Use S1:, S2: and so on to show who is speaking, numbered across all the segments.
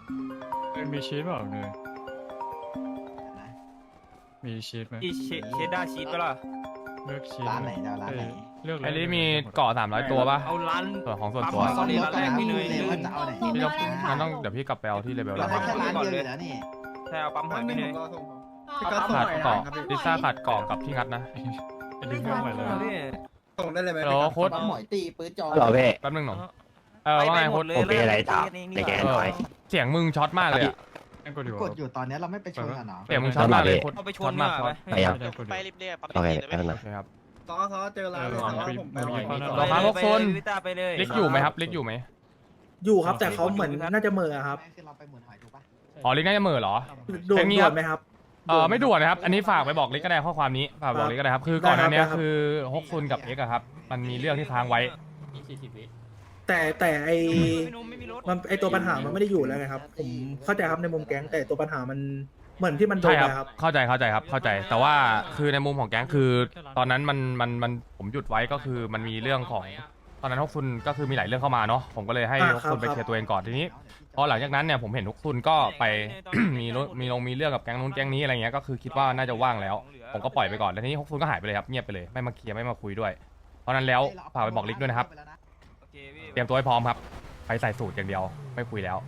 S1: มีชีสเปล่าเนยมีชีสไหม
S2: เชดดาร์ชีสก็ล่ะ
S1: เลือกชีส
S3: ร้านไหนเจ้าร้านไหน
S1: เลือก
S4: ไอ้นี่มีเกาะ300ตัวป่ะ
S2: เอาร้าน
S4: ส่วนของส่วนตัว
S2: ปั๊ม
S3: ต้องรถก่อนนะพี่เลยว่าจะเอาไหน
S4: พี่ต้องงั้นต้องเดี๋ยวพี่กลับไปเอาที่เลเวล
S3: เรา
S4: แล้ว
S3: ได้แค่ร้านเดียวอยู่แล้วนี่
S2: ใช่เอาปั๊มหอยไปเลย
S4: ขาดเกาะลิซ่าขาดเกาะกับพี่งัดนะ
S1: ดึงเรื่องใหม่เลย
S5: ส่งได้เลยไหม
S4: แล้วโค้ด
S3: ปั๊มหมอยตีปื้ดจอ
S6: หรอเพ่
S4: แป๊บนึงหน่อยว่าไงโค้ด
S6: ผมมีอะไรถามในแกหน่อย
S4: เสียงมึงช็อตมากเลยอะ
S1: กดอยู่
S3: กดอยู่ตอนนี้เราไม่ไปชนกันเนาะ
S4: เสียงมึงช็อตมากเลยโค้ด
S2: เอาไปช
S4: ช็อน ตมากช็อต
S6: ไปยัง
S1: ไป
S7: รีบเรียกปั๊ม
S6: โอเค
S7: รีบ
S6: แป๊บนึง
S4: โอเคครับ
S5: ซอเจอร้านเลยซอผมไปหน่อย
S4: รอครับพวกโซน
S2: ลิต้าไปเลย
S4: ลิกอยู่ไหมครับลิกอยู่ไหม
S8: อยู่ครับแต่เขาเหมือนน่าจะเหม่อครับ
S3: คือเราไปหมุนหอยถูกปะ
S4: อ๋อลิกน่าจะเหม่อเหรอ
S8: ด่ว
S4: แค่
S8: น
S4: นี้
S8: ด่
S4: ครั
S8: ว
S4: บ
S8: นไหมครับ
S4: ไม่ด่วนนะครับ อันนี้ฝากไปบอกลิกก็ได้ข้อความนี้ฝากบอกลิกก็ได้ครับคือก่อนหน้านี้
S8: ได้ครับ
S4: คือฮกซุนกับเอ็กอะครับมันมีเรื่องที่ค้างไว้
S8: แต่ไอ
S2: ไม่นุ่มไม่มีรถ
S8: มันไอตัวปัญหามันไม่ได้อยู่แล้วไงครับ ผมเข้าใจครับในมุมแก๊งแต่ตัวปัญหามันเหมือนที่มันโด
S4: ใช่
S8: น
S4: ครับ
S8: ไปครับ
S4: เข้าใจครับเข้าใจแต่ว่าคือในมุมของแก๊งคือ ตอนนั้นมันผมหยุดไว้ก็คือมันมีเรื่องของตอนนั้นฮกซุนก็คือมีหลายเรื่องเข้ามาเนาะผมก็เลยให้ฮกซุนไปเคลียร์ตัวเองก่อนทีนี้พอหลังจากนั้นเนี่ยผมเห็นฮกซุนก็ไป มีเรื่องกับแก๊งนู้นแก๊งนี้อะไรเงี้ยก็คือคิดว่าน่าจะว่างแล้ว ผมก็ปล่อยไปก่อนแล้วทีนี้ฮกซุนก็หายไปเลยครับเงียบไปเลยไม่มาเคลียร์ไม่มาคุยด้วย เพราะนั้นแล้วฝากไปบอกลิกด้วยนะครับ
S2: โอเคพี่
S4: เตรียมตัวให้พร้อมครับไปใส่สูตรอย่างเดียวไม่คุยแล้ว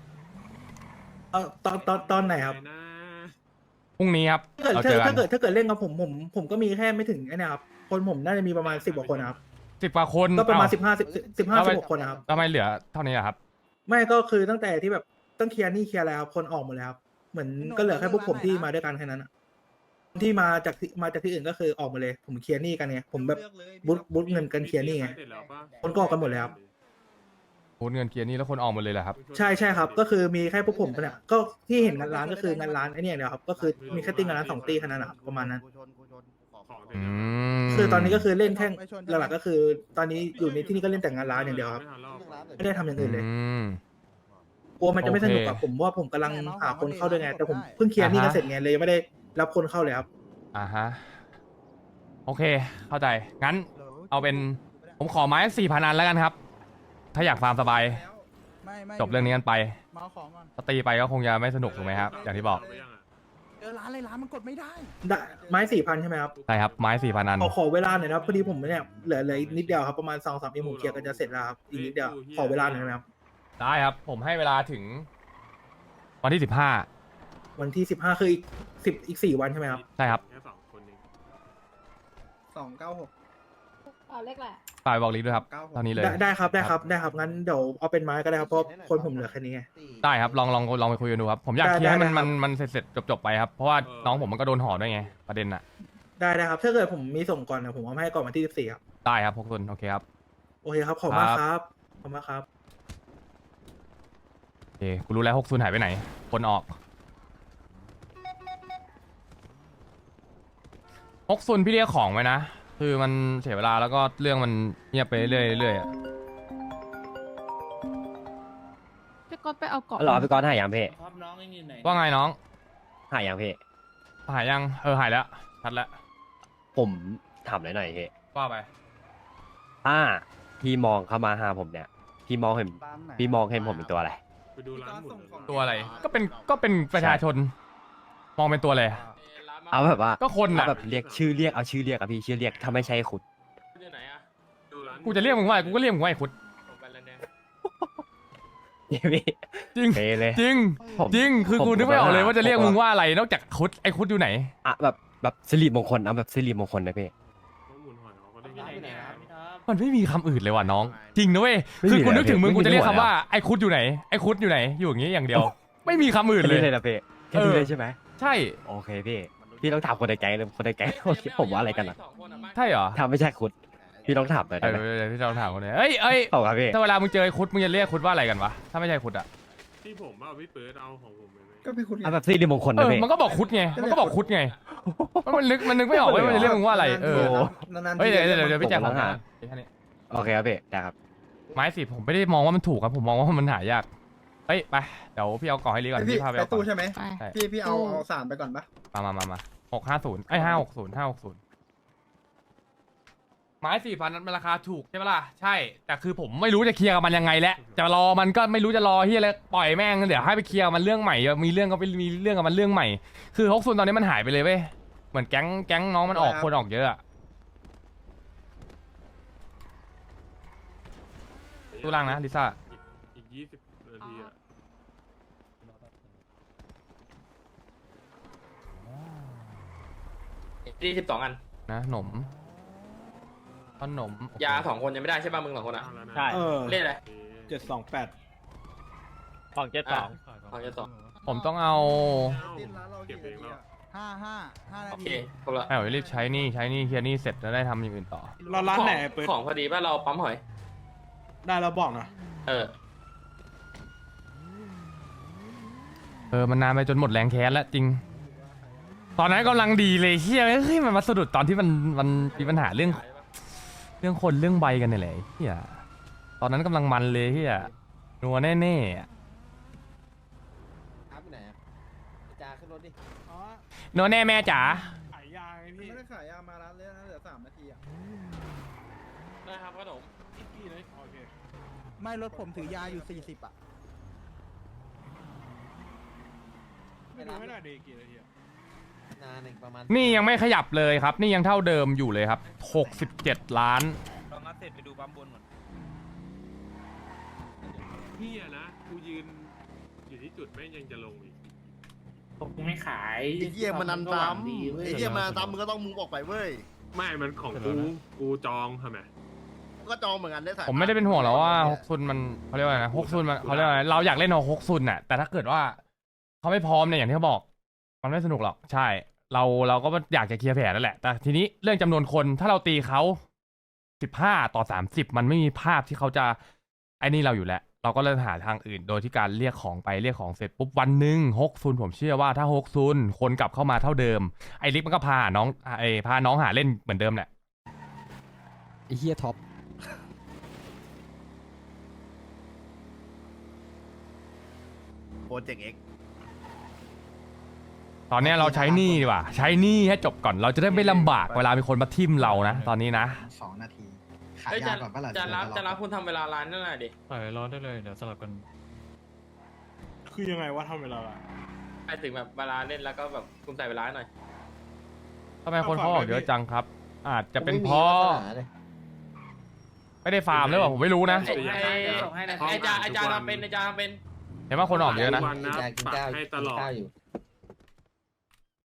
S8: ตอนไหนครับ
S4: พรุ่งนี้ครับ
S8: ถ้าเกิด
S4: เราเจอกัน
S8: ถ้าเกิดเล่นกับผมก็มีแค่ไม่ถึงไอ้นี่ครับคนผมน่าจะมีประมาณ10 กว่าคนนะครับ
S4: 10 กว่าคน
S8: ก็ประมาณ
S4: เอ้
S8: 16 คนนะครับ
S4: ทำไมเหลือเท่านี้อะครับ
S8: ไม่ก็คือตั้งแต่ที่แบบต้องเคลียร์หนี่เคลียร์อะไรครับคนออกหมดแล้วครับเหมือนก็เหลือแค่พวกผมที่มาด้วยกันแค่นั้นอะที่มาจากที่อื่นก็คือออกหมาเลย ผมเคลียร์หนี่กันไงผมแบบบูทเงินกันเคลียร์หนี่ไงคนก็ออกกันหมดแล้วครับ
S4: โอนเงินเกียร์นี่แล้วคนออกหมดเลยเหรอครับ
S8: ใช่ครับก็คือมีแค่พวกผมเนี่ยก็ที่เห็นงานร้านก็คืองานร้านไอ้เนี่ยเดียวครับก็คือมีแค่ตีงานร้าน2 ตีแค่นั้นนะครับประมาณนั้น
S4: อืม
S8: คือตอนนี้ก็คือเล่นแค่หลักๆก็คือ ตอนนี้อยู่ในที่นี่ก็เล่นแต่งานร้านอย่างเดียวครับไม่ได้ทำอย่างอื่นเลย
S4: อืม
S8: กลัวมันจะไม่สนุกกับ
S4: โอเค
S8: ผมว่าผมกำลังหาคนเข้าด้วยไงแต่ผมเพิ่งเคลียร์หนี่กันเสร็จไงเลยยังไม่ได้รับคนเข้าเลยครับ
S4: อ่าฮะโอเค เข้าใจงั้นเอาเป็นผมขอไม้4,000 อันแล้วกันครับ ถ้าอยากฟาร์มสบายจบเรื่องนี้กันไป
S5: มาเอาของก่อน
S4: ถ้าตีไปก็คงจะไม่สนุกถูกไหมครับ อย่างที่บอก
S5: เจอร้านอะไรร้านมันกดไม่ได้
S8: ได้ไม้4,000ใช่ไหมครับ
S4: ใช่ครับไม้4,000 อัน
S8: ขอเวลาหน่อยนะครับพอดีผมเนี่ยเหลืออีกนิดเดียวครับประมาณ2-3 เดือนผมเคลียร์กันจะเสร็จแล้วครับอีกนิดเดียวขอเวลาหน่อยนะครับ
S4: ได้ครับ ผมให้เวลาถึงวันที่15
S8: วันที่15คืออีก4 วันใช่ไหมครับ
S4: ใช่ครับ
S5: 296
S9: เอาเลขแหละ
S4: ฝากบอกลิกด้วยครับตอนนี้เลย
S8: ได้ครับงั้นเดี๋ยวเอาเป็นไม้ก็ได้ครับเพราะคนผมเหลือแค่นี้ไง
S4: ได้ครับลองไปคุยกันดูครับ ผมอยากเคลียร์ให้
S8: ได้ครับ
S4: มันเสร็จจบไปครับ เพราะว่าน้องผมมันก็โดนห่อด้วยไงประเด็นน่ะ
S8: ได้ครับถ้าเกิดผมมีส่งก่อนนะผมเอามาให้ก่อนวันที่14ครับ
S4: ได้ครับพวกคุณโอเคครับ
S8: โอเคครับขอบคุณมากครับขอบคุณมากครับ
S4: โอเคกูรู้แล้ว60หายไปไหน คนออก60พี่เรียกของไว้นะคือมันเสียเวลาแล้วก็เรื่องมันเงียบไปเรื่อยๆอะ
S9: พี่ก๊อตไปเอาเกาะ
S6: หรอพี่ก้อนหายยังเพ่
S4: ว่าไงน้อง
S6: หายยังเพ่
S4: หายยังหายแล้วชัดแล้ว
S6: ผมถามหน่อยเพ่
S4: ว่าไป
S6: ถ้าพี่มองเข้ามาหาผมเนี่ยพี่มองเห็นผมเป็นตัวอะไร
S4: ตัวอะไรก็เป็นประชาชน มองเป็นตัวอะไร
S6: เอาแบบว่า
S4: ก็คน
S6: เอา
S4: น่ะ
S6: แบบเรียกชื่อเรียกเอาชื่อเรียกอะพี่ชื่อเรียกถ้าไม่ใช่ขุด
S4: กูจะเรียกมึงว่ากูก็เรียกมึงว่าไอ้คุด
S6: เนี่ยพี่
S4: จริง
S6: เปเลย
S4: จริง
S6: ผม
S4: จริงคือ
S6: ผม
S4: กูนึกไม่ออกเลยว่าจะเรียก
S6: ผม
S4: มึงว่าอะไรนอกจากคุดไอ้คุดอยู่ไหน
S6: อะแบบสิริมงคลเอาแบบสิริมงคลนะพี่
S4: มันไม่มีคำอื่นเลยว่ะน้อง จริงนะเว้ย
S6: ไม่มี
S4: คือกูนึกถึงมึง
S6: เลย
S4: กูจะเรียก
S6: ไม่มี
S4: คำว่า
S6: เลยอะ
S4: ไอ้คุดอยู่ไหนไอ้คุดอยู่ไหนอยู่อย่างงี้อย่างเดียว ไม่มีคำอื่น
S6: แค่
S4: เลย
S6: นี้เลยนะพี่แค่นี้เลยใช่ไหม
S4: ใช่
S6: โอเคพี่ต้องถามคนในแก๊งเลยคนในแก๊งเขาคิดผมว่าอะไรกันอะ
S4: ใช่เหรอ
S6: ถ้าไม่ใช่ขุดพี่ต้องถามหน่อยได้ไหม
S4: เดี๋ยวพี่จะลองถามคนนี้เอ้ย
S6: เอาครับพี่
S4: ถ้าเวลามึงเจอไอ้คุดมึงจะเรียกคุดว่าอะไรกันวะถ้าไม่ใช่คุดอะ
S1: ที่ผมเอาพี่เปิดเอาของผมไปไหม
S5: ก็พี่คุณ
S6: เอาแบบสิริมงคลนะพี่
S4: มันก็บอกคุดไงมันก็บอกคุดไงมันนึกไม่ออกว่ามันจะเรียกมึงว่าอะไร
S5: นานๆ
S4: เฮ้ยเดี๋ยวพี่แจ็คขอ
S6: ผมต้องหา
S4: แค่นี้
S6: โอเคครับพี่ได้ครับ
S4: ไม้สิผมไม่ได้มองว่ามันถูกครับผมมองว่ามันหายากเฮ้ยไปเดี๋ยวพี่เอากล่องให้ลีก่อน
S5: พี่
S4: พี่พาไป
S5: ไป
S4: เอากล่
S5: ตู้
S4: อง
S5: ใช่ไหม
S9: ไป
S4: ใช่
S5: พี่เอา3ไปก่อนปะ
S4: มา650ไอ้560 ไม้4,000มันราคาถูกใช่ไหมล่ะใช่แต่คือผมไม่รู้จะเคลียร์กับมันยังไงแล้วจะรอมันก็ไม่รู้จะรอเฮียอะไรปล่อยแม่งเดี๋ยวให้ไปเคลียร์มันเรื่องใหม่มีเรื่องก็ไปมีเรื่องกับมันเรื่องใหม่คือฮกซุนตอนนี้มันหายไปเลยเว้ยเหมือนแก๊งน้องมันออกคนออกเยอะอะตู้ล่างนะลิซ่า
S1: อีก20 นาทีอะ
S7: ที่12 อัน
S4: นะหนมขนม
S7: ยา2 คนยังไม่ได้ใช่ป่ะมึง2 คนอ่ะ
S1: เอาแล้วนะ
S2: ใช่
S7: เล่นอะไร
S1: โอเค
S2: ของ
S7: ของจะ2
S4: ผมต้องเอา
S1: เก็บเองแล้ว
S5: 5 นา
S7: โอ
S5: ที
S7: เคครบละ
S4: ให้ผมรีบใช้หนี่เคลียร์หนี่เสร็จแล้วได้ทำอย่างอื่นต่อ
S1: เราร้านไหนเปิด
S7: ของพอดีป่ะเราปั๊มหอย
S1: ได้เราบอกนะ
S4: มันนานไปจนหมดแรงแค้นแล้วจริง ตอนนั้นกำลังดีเลยเฮียเฮ้ยมันมาสะดุดตอนที่มันมีปัญหาเรื่องคนเรื่องใบกันเนี่ยแหละเฮียตอนนั้นกำลังมันเลยเฮียนัวแน่ๆอะ
S3: ครับไหนจ่าขึ้นรถดิ
S4: นัวแน่แม่จ๋า
S1: ขายยาไงพี่
S5: ไม่ได้ขายยามาร้านเลยนะเหลือ3 นาทีอ่ะ
S7: ได้ครับขนม
S1: กี่เลยโอเค
S5: ไม่รถผมถือยาอยู่40อ่ะ
S1: ไม่รู้ไม่ได้ดีกี่นาทีอะ
S3: นานประมาณ
S4: นี่ยังไม่ขยับเลยครับ นี่ยังเท่าเดิมอยู่เลยครับ67 ล้าน
S2: เรางัดเสร็จไปดูปั๊มบนก่อน
S1: พี่อะนะกูยืนอยู่ที่จุดแม่งยังจะลงอีก
S10: ผมไม่ขาย
S11: ไอ้เหี้ยมันนันซ้ำไอ้เหี้ยมันนันซ้ำมึงก็ต้องมุงออกไปเว้ย
S1: ไม่มันของกูจองทำไม
S11: ก็จองเหมือนกันได้ถ่าย
S4: ผมไม่ได้เป็นห่วงแล้วว่าฮกซุนมันเขาเรียกว่าไงนะฮกซุนมันเขาเรียกว่าไงเราอยากเล่นฮกซุนน่ะแต่ถ้าเกิดว่าเขาไม่พร้อมเนี่ยอย่างที่เขาบอกมันไม่สนุกหรอกใช่เราก็อยากจะเคลียร์แผลนั่นแหละแต่ทีนี้เรื่องจำนวนคนถ้าเราตีเขา15 ต่อ 30มันไม่มีภาพที่เขาจะไอ้นี่เราอยู่แล้วเราก็เลยหาทางอื่นโดยที่การเรียกของไปเรียกของเสร็จปุ๊บวันหนึ่งฮกซุนผมเชื่อว่าถ้าฮกซุนคนกลับเข้ามาเท่าเดิมไอ้ลิกมันก็พาน้องหาเล่นเหมือนเดิมแหละ
S3: ไอ้เฮียท็อป
S11: โปรเจกต์เอ็ก
S4: ตอนเนี้ยเราใช้หนี้ดีกว่าใช้หนี้ให้จบก่อนเราจะได้ไม่ลำบากเวลามีคนมาทิมเรานะตอนนี้นะ
S3: 2 นาที ขาย
S7: เฮ้ย
S3: ยาก่อนปะล่ะ
S7: จะรับคุณทำเวลาร้านนั่นหน่อยดิ
S1: ปล่อยรอได้เลยเดี๋ยวสลับกัน คือยังไงว่าทำเวลาอะ
S7: ไปถึงแบบเวลาเล่นแล้วก็แบบคุณใส่เวลาหน่อย
S4: ทำไมคนเขาออกเยอะจังครับ อาจจะเป็นเพราะไม่ได้ฟาร์มหรือเปล่าผมไม่รู้นะ
S7: ไอ้จาทำเป็น
S4: เห็นว่าคนออกเยอะนะ
S1: วันนะปักให้ตลอด